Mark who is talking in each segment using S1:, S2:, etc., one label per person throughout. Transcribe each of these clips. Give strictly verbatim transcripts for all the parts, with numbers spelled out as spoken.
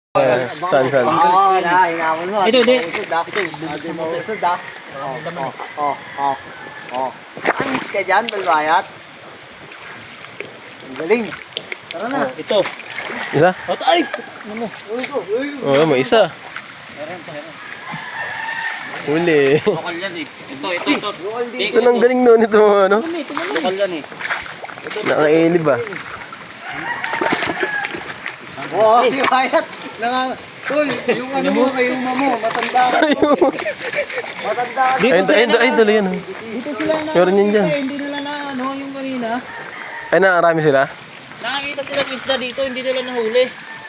S1: Eh, saan, saan?
S2: Oo, na, hingamon mo.
S3: Ito, hindi.
S2: Usod ah. Ito, mo usod ah. Oo, oo, oo, oo, oo. Anis ka dyan, balbayat. Ang galing. Tara na.
S3: Ito.
S1: Isa?
S3: Ito, ay! Ano mo?
S2: Uy ko, uy ko.
S1: Oo, may isa.
S3: Meron pa, meron.
S1: Huli.
S3: Lokal yan eh. Ito, ito, ito.
S2: Lokal din.
S1: Ito nang galing nun ito, ano?
S3: Lokal yan eh.
S1: Nakailib ba?
S2: Oo, si Wyatt. Nang, tol, yung ano mo, kay uma mo, matanda ka. Matanda ka.
S1: Ayun, ayun, ayun, tuloy yan. oh.
S3: Dito sila na.
S1: Meron yan dyan.
S3: Hindi nila na ano yung kanina.
S1: Ay, nakarami sila?
S3: Nakakita sila ng isda dito, hindi nila nahuli.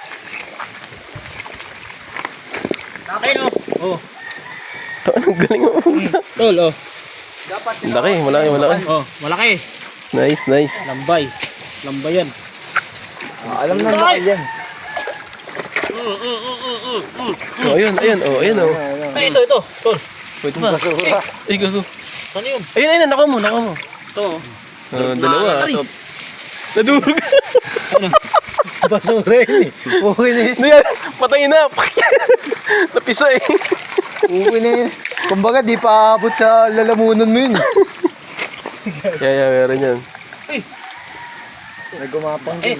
S3: Ayun oh. Oh.
S1: Ito, anong galing mo.
S3: Tol oh.
S2: Dapat
S1: Malaki, malaki, malaki.
S3: Oh, malaki.
S1: Nice, nice.
S3: Lambay. Lambay yan.
S2: Ah, alam na lokal yan.
S3: Mm, mm, mm, mm, mm, mm.
S1: Oh, ayun, ayun, oh, ayun, oh.
S3: Ay, ito, ito. Tol.
S1: Wait, ba?
S2: Basura.
S1: Ay, gago.
S3: Ano yun?
S1: Ayun, ayun, naka mo, naka mo.
S3: Ito oh.
S1: Oh, dalawa.
S3: Ay.
S1: So, nadurog.
S2: Basura yun eh. Okay na yun.
S1: Hindi yan, patay na. Napisa eh.
S2: Okay na yun. Kumbaga, di pa abot sa lalamunan mo yun.
S1: Yeah, yeah, meron yan.
S3: Ay.
S2: Nagumapang
S3: Eh.
S2: din.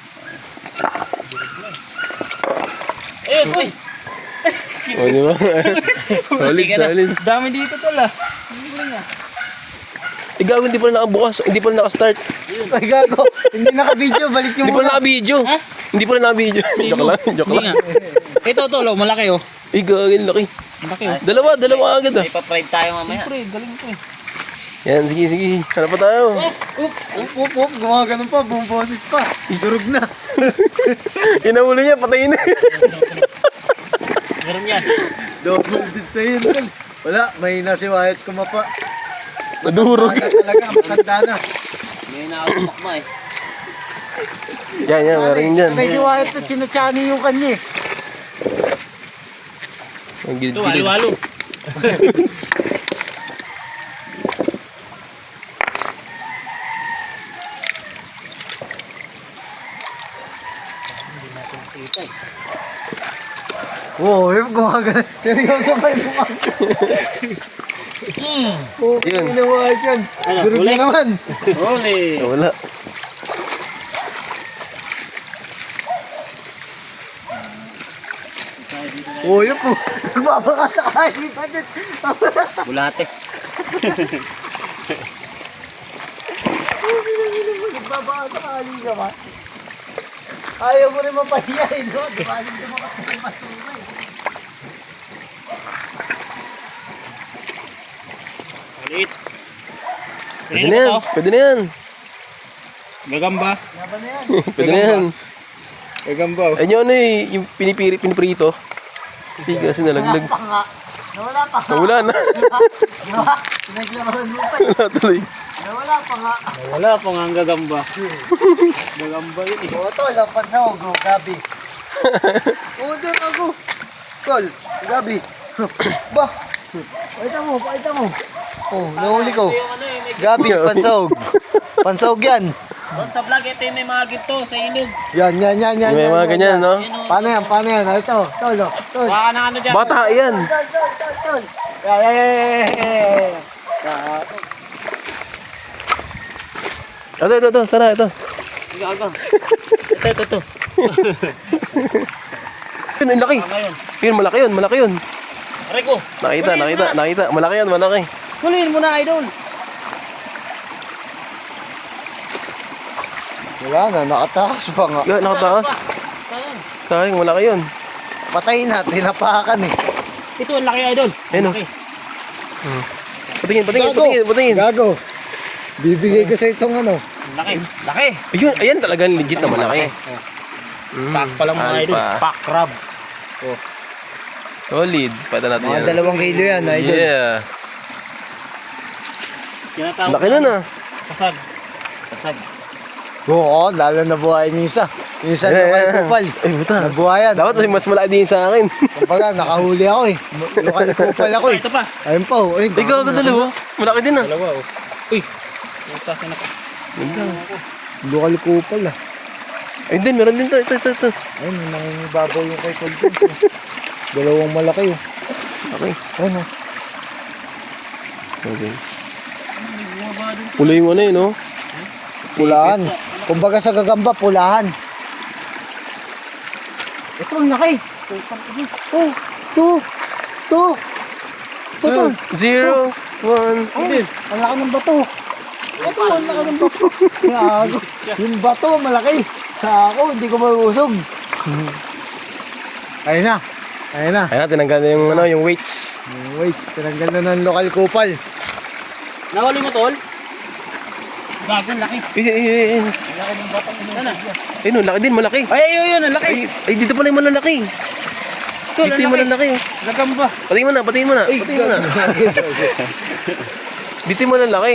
S3: Ayun, uy.
S1: O, di ba? Solid, solid.
S3: Dami dito tol ah. Ano ba niya?
S1: Eh, gago, hindi pala nakabukas. Hindi pala nakastart.
S2: Ay, gago. Hindi naka-video. Balik yung
S1: Hindi pala naka-video.
S3: Ha?
S1: Hindi pala naka-video. Joke lang, joke
S3: Hindi
S1: lang.
S3: nga. Ito tol, oh, malaki oh.
S1: Eh, gago, laki.
S3: Malaki oh.
S1: Dalawa, dalawa agad ah.
S3: Ipa-pride tayo mamaya. Siyempre, galing ko eh.
S1: Yan, sige, sige. Hanap pa tayo.
S2: Up, up, up, up. Gumaganon pa. Buong boses pa. Durog na.
S1: Inahuli niya, patayin na.
S3: Meron yan.
S2: Double din sa'yo. Tol. Wala. Mahina si Wyatt kumapa.
S1: Nadurog.
S2: Matanda talaga. Matanda na.
S3: May nakakapak mo eh.
S1: Yan, yan, meron yan.
S2: May si Wyatt at sinachani yung kanya eh.
S1: Ang
S3: Ito,
S1: gilid-gilid.
S3: walo-walo.
S2: Oo, oh, yung gumaganon. Seryoso pa yung gumaganon.
S3: Hmm.
S2: Oo,
S1: Yun.
S2: ginawa yan.
S3: Ano,
S2: Durog
S3: huli?
S2: na naman.
S3: Huli.
S1: Oh, wala.
S2: Oo, yun po. Nagbabaka sa kasi pa dyan.
S3: Bulate.
S2: Nagbabaka sa kasi ka ba? Ayaw mo rin mapahiya eh, no? Di ba? Hindi mo kasi masura eh.
S3: Ulit.
S1: Pwede na yan, pwede na yan.
S3: Gagamba.
S2: Laban na yan.
S1: Pwede na yan.
S3: Gagamba.
S1: Ayun yung ano eh, yung pinipiri, piniprito. Hindi kasi nalaglag.
S2: Nawala pa nga. Nawala pa nga.
S1: Nawala na.
S2: Di ba? Pinaglaban mo pa eh.
S1: Wala tuloy.
S2: Nawala pa nga.
S3: Wala pa nga ang gagamba. Gagamba yun eh.
S2: Oo, tol. Ang pansahog. Oh, Gabi. Oo, doon ako. Tol. Gabi. Bah. Pakita mo, pakita mo. Oh, nahuli ko.
S3: Yung ano eh, may
S2: Gabi, pansahog. Pansahog yan.
S3: doon sa vlog, ito yung may mga ginto sa inog.
S2: Yan, yan, yan, yan.
S1: May
S2: yan,
S1: mga
S2: yan,
S1: ganyan,
S2: yan.
S1: no?
S2: Paano yan, paano yan? Ito, tol, oh, tol.
S3: Baka na ano dyan.
S1: Bata yan.
S2: Tol, tol, tol, tol. Yeah, yeah, yeah, yeah, yeah, yeah.
S1: Ito, ito, ito. Tara, ito.
S3: Sige, aga. Ito, ito, ito.
S1: Yun, ang laki.
S3: Tama yun.
S1: Yun, malaki yun, malaki yun.
S3: Aray ko.
S1: Nakita, nakita, nakita. Malaki yan, malaki.
S3: Huliin mo na, idol.
S2: Wala na, nakatakas pa nga.
S1: Yan, nakataas.
S3: Saan?
S1: Sayang, malaki yun.
S2: Patayin na, tinapakan eh.
S3: Ito, ang laki, idol.
S1: Ayun, oh.
S3: Laki.
S1: Patingin, patingin,
S2: Gago.
S1: patingin, patingin.
S2: Gago. Bibigay ko sa itong ano.
S3: Laki. Laki.
S1: Ayun, ayan talagang legit na malaki. Mm,
S3: Pack pa lang mga idol.
S1: alpha.
S3: Pack crab.
S1: Solid. Pwede natin
S2: Mga
S1: yan.
S2: dalawang kilo yan, idol.
S1: Yeah.
S3: Tinatawag
S1: Laki na na.
S3: Kasag. Kasag.
S2: Oo, lalo na buhay niya isa. Yung isa
S1: Yeah,
S2: na kay
S1: yeah.
S2: Kupal.
S1: Ay, buta.
S2: Nabuhayan.
S1: Dapat mas malaki din sa akin.
S2: Kumbaga, nakahuli ako eh. Lokal Kupal ako eh.
S3: Ito pa.
S2: Ayun pa oh. Ay,
S1: Ikaw, ang dalawa. Malaki din ah.
S3: Dalawa, oh. Uy. Ito, sinaka.
S1: Ganda.
S2: Lokal Kupal ah.
S1: Ayun din, meron din to. Ito, ito, ito.
S2: Ayun, may nangingibabaw yung kay Tol Jones. Oh. Dalawang malaki oh.
S1: Okay.
S2: Ayun oh.
S1: Okay. Pula yung ano yun, no?
S2: Pulahan. Kumbaga sa gagamba, pulahan. Ito, ang laki. Oh, two. Two. Two, Tol.
S1: Zero, one.
S2: Ay, ang laki ng bato. Ito, ang laki ng bato. Gago. Yung bato, malaki. Sa ako, hindi ko mauusog. Ayun na. Ayun na.
S1: Ayun na, tinanggal na yung, ano, yung weights.
S2: Wait, tinanggal na ng lokal kupal.
S3: Nahuli mo, tol? Gago, laki.
S1: Eh, eh, eh, eh.
S2: Laki ng bato.
S3: Sana.
S1: Ayun, laki din, malaki.
S3: Ay, ay, ay, ang laki.
S1: Ay, ay, dito pala yung malalaki.
S3: Tol,
S1: Dito yung
S3: ang laki.
S1: malalaki.
S3: Gagamba.
S1: Patingin mo na, patingin mo na.
S2: Ay,
S1: Patingin mo na.
S2: gago.
S1: Dito yung malalaki.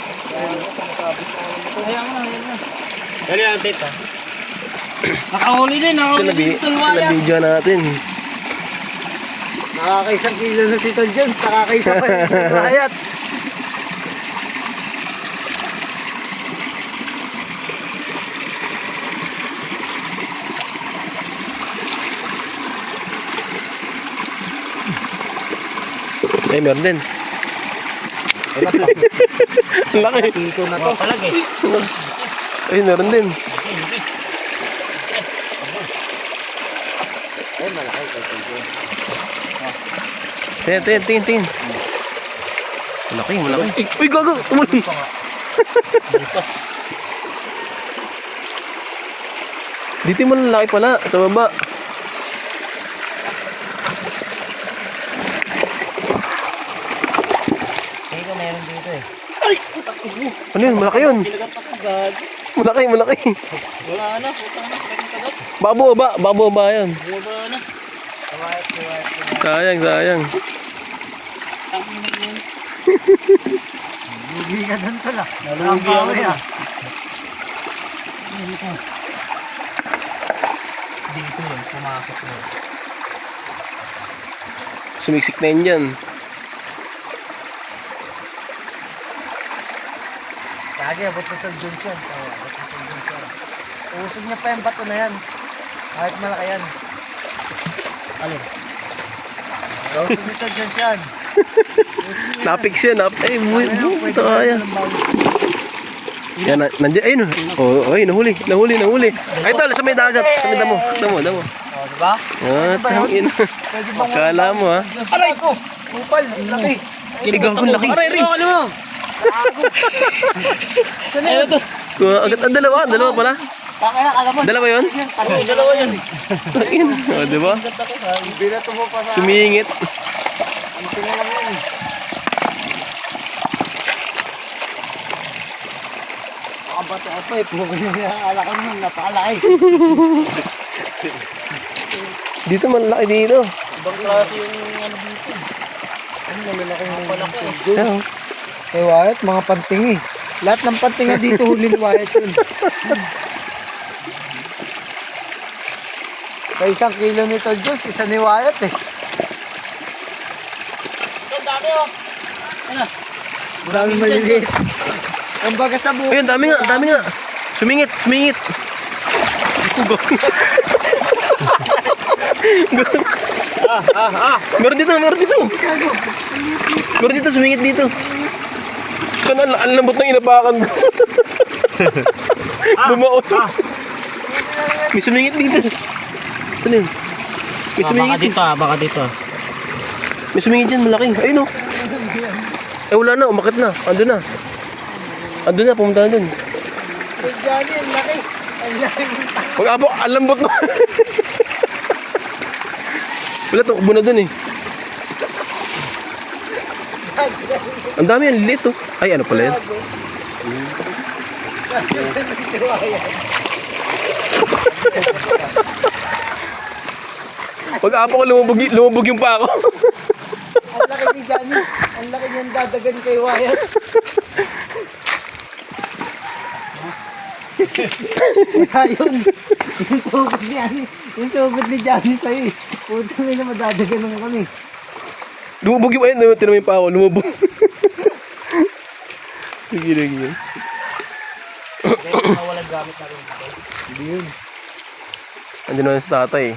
S3: Ayan mo, ayan mo. Dali ang tita. Nakahuli din,
S1: Ito
S3: nakahuli
S1: na,
S3: din.
S1: bi-
S3: Tulwaya.
S1: ito na video natin.
S2: Nakakaisang kilo na si Tol Jones, nakakaisa pa si Tol Riot.
S1: Ay, meron din. Ang laki.
S2: Tito na to.
S3: Palag eh.
S1: Ay, meron din.
S2: Ay, malaki kay Tol Jones.
S1: Tingin, tingin, tingin, tingin. Malaki, malaki. Uy, gago! Umuli! Dito yung malalaki pala, sa baba.
S3: Hindi ko meron dito eh.
S1: Ano yun? Malaki yun.
S3: Tinagat ako, gago.
S1: Malaki, malaki.
S3: Wala na, putang na, sakit ng kagat.
S1: Babo ba? Babo ba yan?
S3: Wala na.
S1: Sayang, sayang.
S2: Lugi ka doon Tol ah.
S3: Nalugi ako
S2: Nabawi,
S3: dun.
S2: ah.
S3: Dito yun, pumasok yun.
S1: Sumiksik na yun dyan.
S2: Kagi, abot na Tol Jones yan. Oo, abot na Tol Jones yan. Usog niya pa yung bato na yan. Kahit malaki yan.
S3: Alin?
S2: Usog ni Tol Jones yan.
S1: Napix yan. Nap ay, buhay. Buhay. Ito kaya. Yan, na- nandiyan. Ayun. Oh, oh, ay, nahuli. Nahuli, nahuli. Ay, tol, sa may dagat. Sa may damo. Damo, damo.
S2: O, diba?
S1: Ah, tangin.
S2: Pwede bang
S1: Kala mo, ha?
S2: Aray ko! Kupal, ang laki.
S1: Ay, gago, laki.
S3: Aray, rin! Ano mo? Ano to?
S1: Ah, agad, ang dalawa. Dalawa pala.
S2: Kaya, alam mo.
S1: Dalawa yun?
S2: Ano yung
S3: Dalawa yan.
S1: Tangin. Oh, di ba?
S2: Binato mo pa sa...
S1: Sumingit.
S2: Ang tingnan lang yun. Nakabato ako eh. Pugo niya alakan mo. Napakalaki.
S1: Dito malaki dito.
S3: Ibang klase yung ano dito.
S2: Ang malalaki ng
S3: Malaki.
S1: Yan. oh.
S2: Kay Wyatt, mga pantingi. Lahat ng pantinga dito huli ni Wyatt yun. Kaya isang kilo ni Tol Jones, isa ni Wyatt eh.
S3: Ang dami oh. Ano?
S2: Ang dami maliliit. Ang baga sa buhay.
S1: Ayun, dami nga, dami nga. Sumingit, sumingit.
S3: Ah, ah, ah.
S1: Meron dito, meron dito.
S2: Gago.
S1: Meron dito, sumingit dito. Kan ang ang lambot ng inapakan ko. Bumaon. May sumingit dito. Saan yun? May
S3: Ah, baka
S1: sumingit.
S3: dito ah, baka dito ah.
S1: May sumingit dyan, malaki. Ayun o. Eh wala na, umakit na. Ando na. Ando na, pumunta na dun.
S2: Tol Johnny, ang laki. Ang laki.
S1: Pag-abo, ang lambot mo. Wala, tumakbo na dun eh. Ang dami yan, lilit oh. Ay, ano pala yan? Pag-apo ko, lumubog, y- lumubog yung pa ako.
S2: Ang laki ni Johnny. Ang laki niyang dadagan kay Wyatt. Ayun. Yung sugod ni Johnny. Yung sugod ni Johnny sa'yo eh. Puto nga na madadagan lang kami.
S1: Lumubog yung, ayun, tinamay pa ako, lumubog. Sige, sige.
S3: Kaya walang gamit na rin.
S2: Hindi yun.
S1: Andun na sa tatay.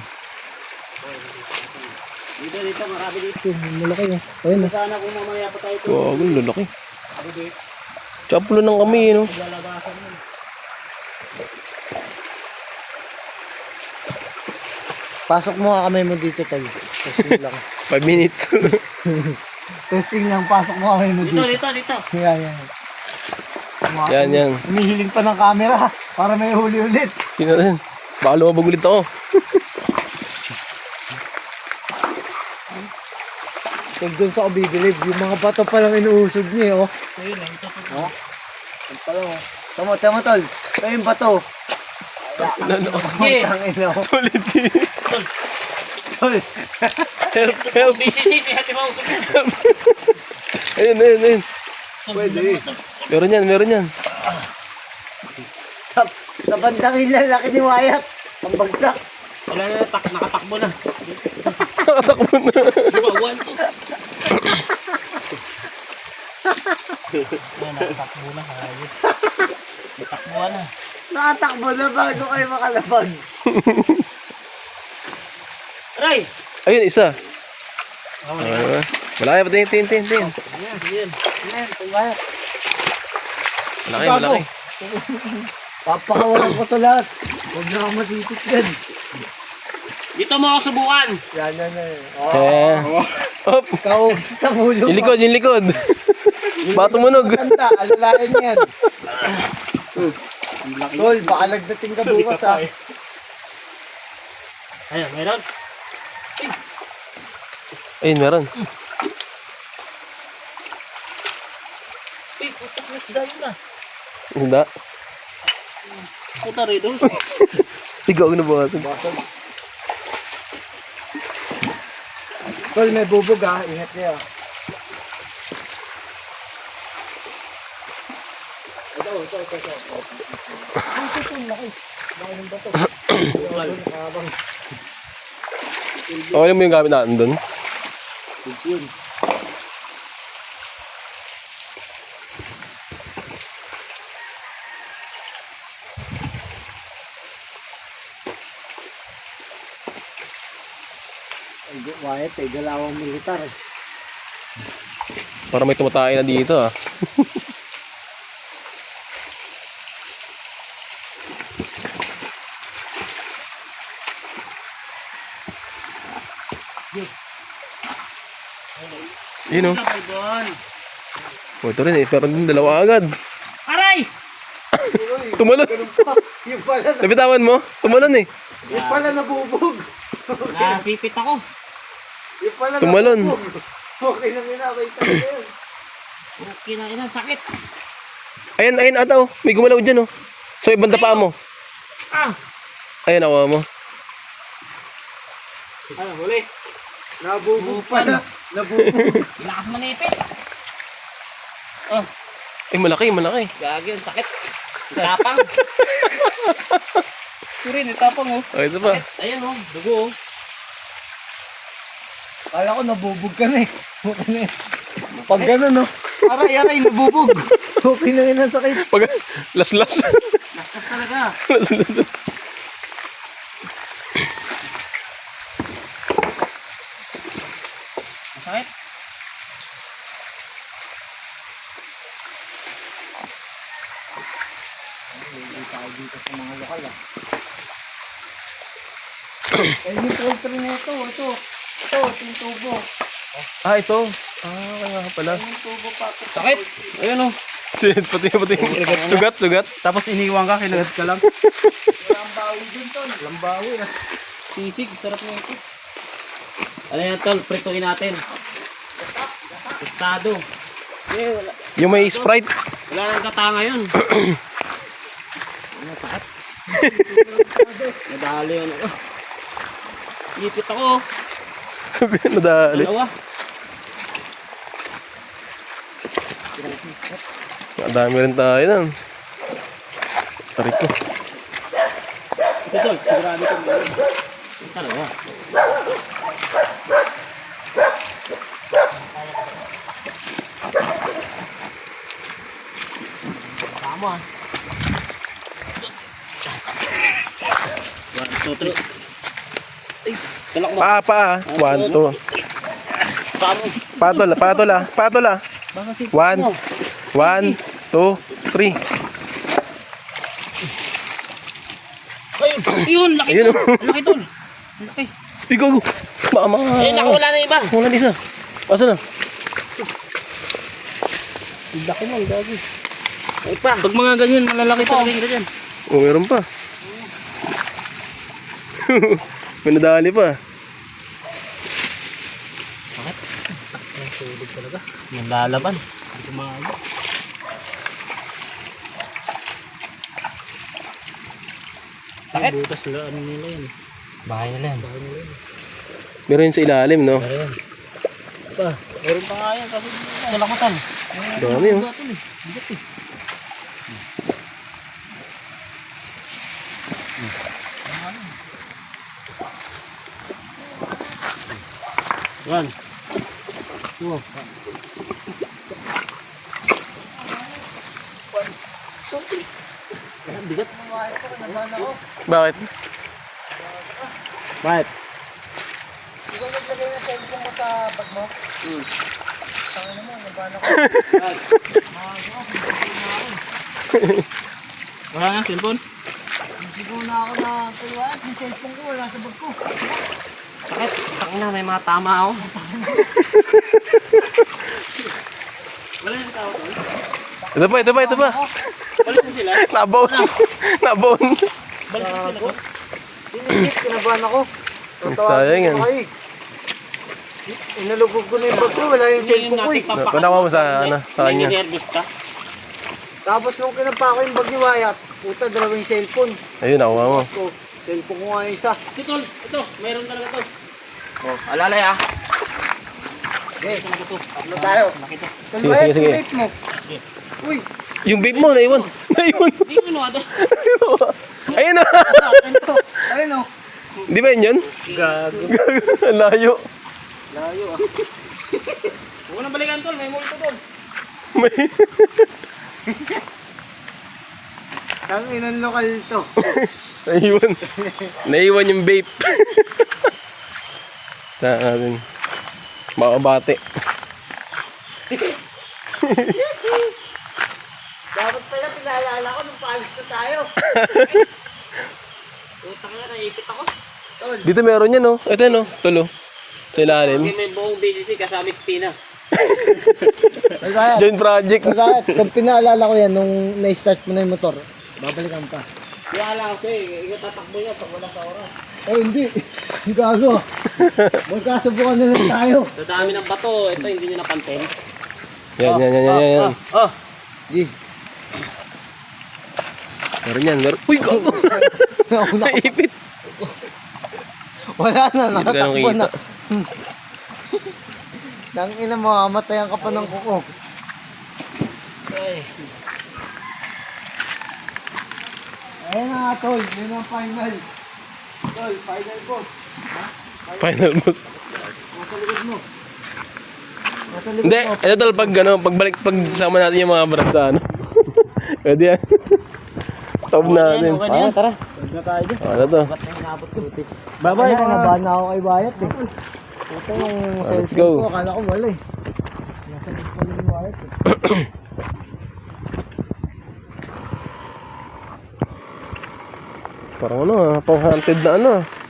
S3: Dito, dito, marami dito.
S2: Malaki oh. Ayun oh.
S3: Sana kung mamaya pa tayo ito.
S1: Gago, lalaki. Chaplo ng kami, no?
S3: Lalabasan mo.
S2: Pasok mo nga kamay mo dito tayo. Testing lang.
S1: Five minutes.
S2: Testing lang, pasok mo kamay mo
S3: Dito,
S2: dito.
S3: dito, dito.
S2: Yan, yan.
S1: Yan, yan.
S2: Humihiling pa ng camera para may huli ulit.
S1: Sino rin? Baka lumabag ulit ako.
S2: Huwag doon sa ako bibilib. Yung mga bato pa lang inuusog niya, oh.
S3: Ayun, lang, ito.
S2: Oh? Yan pa lang, oh. Tama, tama, tol. Ito yung bato.
S3: Sige.
S2: Ang ina, oh.
S1: Tulit eh.
S2: Tol.
S1: Help, help.
S3: B C C, hati mo.
S1: Ayun, ayun, ayun.
S2: Pwede.
S1: Meron yan, meron yan.
S2: Sa, sa bandang ilan, laki ni Wyatt. Ang bagsak.
S3: Wala na, tak, nakatakbo na.
S1: Nakatakbo na.
S3: Bumawan to. Ayan, nakatakbo na. Ayos. Natakbo na.
S2: Nakatakbo na bago kayo makalabag.
S3: Aray!
S1: Ayun, isa.
S3: Oh,
S1: Ah, malaki pa, tin, tin, tin, tin.
S3: ayan, ayan.
S2: Yan, ito Wyatt.
S1: Malaki, malaki.
S2: Papakawalan ko to lahat. Huwag na ako matipit yan.
S3: Dito mo ako subukan.
S2: Yan, yan, yan. Oh.
S1: Eh. Hop.
S2: Kaugis ng ulo
S1: Yung likod, yung likod. Baka tumunog.
S2: Kanta, alalayan yan. Tol, baka lagdating ka bukas ha.
S3: Ayan, meron.
S1: Ayun, meron.
S3: Uy, putak na sila yun ah.
S1: Hindi.
S3: Puta rin doon.
S1: Ikaw na ba ito?
S2: Tol, may bubog ha. Ingat kayo. Ito, ito, ito, ito. Ang tutong laki. Laki ng bato. Nakabang.
S1: Okay lang mo yung gamit natin doon?
S2: Yun. Ay, Wyatt eh, dalawang militar eh.
S1: Para may tumatay na dito ah. Yun oh.
S3: Doon.
S1: Oh, ito rin eh. Pero din dalawa agad.
S3: Aray!
S1: Tumalon.
S2: Yung pala,
S1: Nabitawan mo? Tumalon eh.
S2: yung pala nabubog.
S3: Nasipit ako.
S2: Yung pala
S1: Tumalon.
S2: nabubog. Okay lang yun, okay talaga yun.
S3: Okay na, ina, sakit.
S1: Ayan, ayan ata oh. May gumalaw dyan oh. So ibang paa mo.
S3: Ah!
S1: Ayan awa mo.
S3: Ano, huli?
S2: Nabubog pala. Nabubog.
S3: Lakas manipit. Oh,
S1: Eh malaki, malaki.
S3: gagi, ang sakit. Tapang. Kurin, itapang oh.
S1: Oh, ito pa.
S3: Ayan oh, dugo oh.
S2: Kala ko nabubog ka na eh. Okay na eh. Pag gano'n no. Aray, aray, nabubog. Okay na yun ang sakit.
S1: Pag las-las.
S3: Laskas talaga.
S1: Las-las.
S3: Masakit.
S2: Hindi tayo dito sa mga lokal ah. Eh, yung poultry na ito, ito. Ito, ito yung tubo.
S1: Ah, ito. Ah, kaya nga pala.
S2: Yung tubo pa.
S3: Sakit. Ayun oh.
S1: Shit, pati, pati. Sugat, sugat.
S3: Tapos iniwan ka, kinagat ka lang.
S2: Walang bawi dun, tol.
S3: Walang bawi ah. Sisig, sarap na ito. Ano yan tol, prituin natin. Tostado. Eh, wala.
S1: Yung may Sprite.
S3: Wala nang katanga yun. Ano, sakit? Nadali yun ako. Ipit ako.
S1: Sabi na dali.
S3: Dalawa.
S1: Madami rin tayo nun. Tarik ko.
S3: Ito tol, sigurado ko meron. Dalawa. Tama ah. One, two, three. mo.
S1: Paa, paa. One, two.
S3: Paa mo.
S1: Patol, patol ah. Patol ah.
S3: Baka si
S1: One.
S3: mo.
S1: One, two, three.
S3: Ayun, yun, laki
S1: Ayun
S3: tol.
S1: oh.
S3: Laki tol. Laki.
S1: Ikaw. Mama.
S3: Ayun, nakawala na iba.
S1: Wala na isa. Asa na?
S3: Laki mo, gagi. Ay pa. Pag mga ganyan, malalaki talaga yung ganyan.
S1: Oh, meron pa. May nadali pa.
S3: Bakit? Ang sulit talaga. Nalalaban. Hindi ko maaga. Bakit? Butas nila, ano nila yun. Bahay nila yan. Bahay nila yun.
S1: Meron yun sa ilalim, no?
S3: Meron. Pa, meron pa nga yan kasi nalakutan.
S1: Dami, oh.
S3: Bigat eh. Yan. Ito. Bigat.
S1: Bakit?
S3: Bakit?
S2: Ikaw naglagay ng cellphone mo sa bag mo? Hmm. Tangin mo, nabana ko.
S3: Wala nga cellphone?
S2: Nasigaw na ako na kaliwaan. Yung cellphone ko wala sa bag ko.
S3: Bakit? Takina na, may mga tama ako. Wala yung tao to?
S1: Ito pa, ito pa, ito pa.
S3: Balik mo sila?
S1: Nabaon. Nabaon.
S3: Balik mo sila to?
S2: Tinigit, kinabahan ako.
S1: Sayang yan.
S2: Inalugog ko na yung bag ko, wala yung cellphone ko eh.
S1: Panawa mo sa, ano, sa kanya.
S3: Nervous ka?
S2: Tapos nung kinapa ko yung bag ni Wyatt, puta, dalawang cellphone.
S1: Ayun, nakuha mo.
S2: Ko, cellphone ko nga yung isa.
S3: Ito, tol. Ito, mayroon talaga to. Oh, alalay ah.
S2: Okay,
S3: Talaga to.
S2: ano tayo?
S3: Laki to.
S2: Tol
S1: Sige,
S2: Wyatt,
S1: sige, sige.
S2: rate mo. Uy,
S1: Yung vape mo, naiwan. Naiwan.
S3: Hindi mo ano
S1: Ayun na.
S2: akin to. Ayun o.
S1: Di ba yun yun?
S3: Gago.
S1: Ang layo.
S3: Layo ah. Huwag nang balikan tol, may multo tol.
S1: May...
S2: Ang inang lokal to.
S1: Naiwan. Naiwan yung vape. Saan natin? Makabate.
S2: Dapat pala pinaalala ko nung paalis na tayo.
S3: Utang na, naipit ako.
S2: Tol,
S1: Dito meron yan, no? Ito, no? Tulo. Sa ilalim.
S3: May buong B C C kasama spina.
S2: Tol Wyatt.
S1: Joint project.
S2: Tol Wyatt, kung pinaalala ko yan nung na-start mo na yung motor, babalikan pa.
S3: Kaya lang ako eh, ikaw tatakbo niya pag wala sa oras.
S2: Oh, hindi. Gago. Magkasubukan na lang tayo.
S3: Sa dami ng bato, ito hindi nyo napansin.
S1: Yan, yan, yan, yan, yan, yan.
S3: Oh,
S2: Di.
S1: Meron yan, meron. Uy, gago!
S2: Nauna ko.
S1: Naipit.
S2: Wala na,
S1: Hindi ka
S2: nakatakbo
S1: nakikita.
S2: na. Nang ina mo, matayan ka pa ng kuko.
S3: ay.
S2: Ayun na nga, tol. Yun ang final. Tol, final boss.
S1: Final boss.
S2: Nasa likod mo. Nasa likod
S1: Hindi,
S2: mo.
S1: ito tol, pag ano, pagbalik, pag sama natin yung mga brad sa ano. Pwede yan. Top natin.
S3: Okay na yan, tara. Huwag na tayo dyan.
S1: Ano to?
S3: Ba't na hinabot ko ito?
S2: Bye-bye, nabahan na ako kay Wyatt eh. Ito yung
S1: Ah, let's
S2: cellphone
S1: go.
S2: ko, akala ko wala eh. Nasa likod pa rin ni Wyatt eh.
S1: Parang ano ah, pang-hunted na ano ah.